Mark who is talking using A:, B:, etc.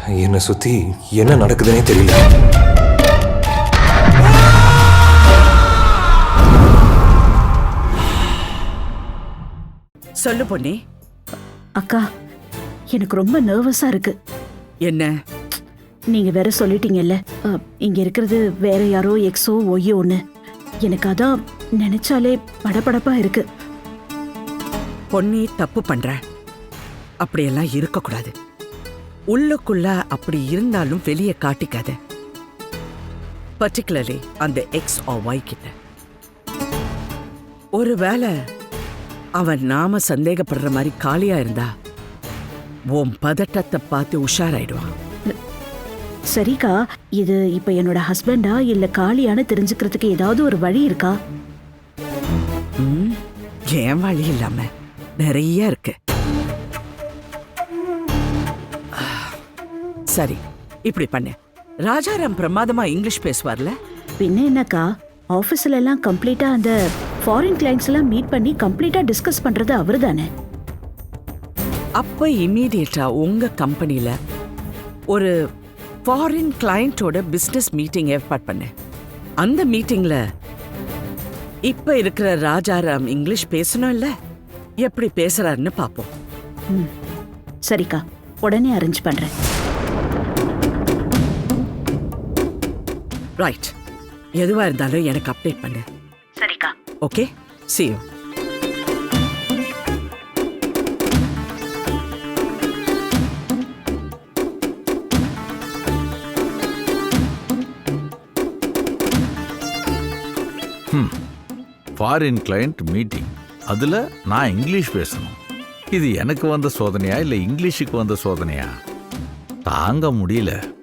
A: என்னை சுத்தி என்ன நடக்குதுன்னே தெரியல.
B: சொல்லு பொன்னி.
C: அக்கா, எனக்கு ரொம்ப நர்வஸா இருக்கு.
B: என்ன?
C: நீங்க வேற சொல்லிட்டீங்கல்ல, இங்க இருக்கிறது வேற யாரோ எக்ஸோ ஒய்யோன்னு. எனக்கு அதான் நினைச்சாலே படபடப்பா இருக்கு.
B: பொன்னி, தப்பு பண்ற. அப்படியெல்லாம் இருக்கக்கூடாது. உள்ளுக்குள்ள அப்படி இருந்தாலும் வெளியே காட்டிக்காத. பர்டிகுலர்லி அந்த எக்ஸ் ஆர் ஒய் கிட்ட. ஒருவேளை அவன் நாம சந்தேகப்படுற மாதிரி காலியா இருந்தா உன் பதட்டத்தை பார்த்து உஷாராயிடுவான்.
C: சரிக்கா, இது இப்ப என்னோட ஹஸ்பண்டா இல்ல காலியான்னு தெரிஞ்சுக்கிறதுக்கு ஏதாவது ஒரு வழி இருக்கா?
B: ஏன் வழி இல்லாம நிறைய இருக்கு. சரி, இப்படி பண்ணு. ராஜாராம் பிரமாதமா இங்கிலீஷ் பேசுவார்ல?
C: பின்ன என்னக்கா, ஆபீஸ்ல எல்லாம் கம்ப்ளீட்டா அந்த ஃபாரின் கிளைண்ட்ஸ் எல்லாம் மீட் பண்ணி கம்ப்ளீட்டா டிஸ்கஸ் பண்றது அவரு தானே.
B: அப்ப இமீடியட்டா உங்க கம்பெனில ஒரு ஃபாரின் கிளையண்டோட பிசினஸ் மீட்டிங் ஏற்பாடு பண்ணு. அந்த மீட்டிங்ல இப்ப இருக்கிற ராஜாராம் இங்கிலீஷ் பேசணும் இல்ல, எப்படி பேசுறாருன்னு பாப்போம்.
C: சரிக்கா, உடனே அரேஞ்ச் பண்றேன்.
B: ரைட், எதுவா இருந்தாலும் எனக்கு அப்டேட் பண்ணு.
C: சரிக்கா.
B: Okay, see you.
D: Foreign client meeting, அதில் நான் இங்கிலீஷ் பேசணும். இது எனக்கு வந்த சோதனையா இல்லை இங்கிலீஷுக்கு வந்த சோதனையா? தாங்க முடியல.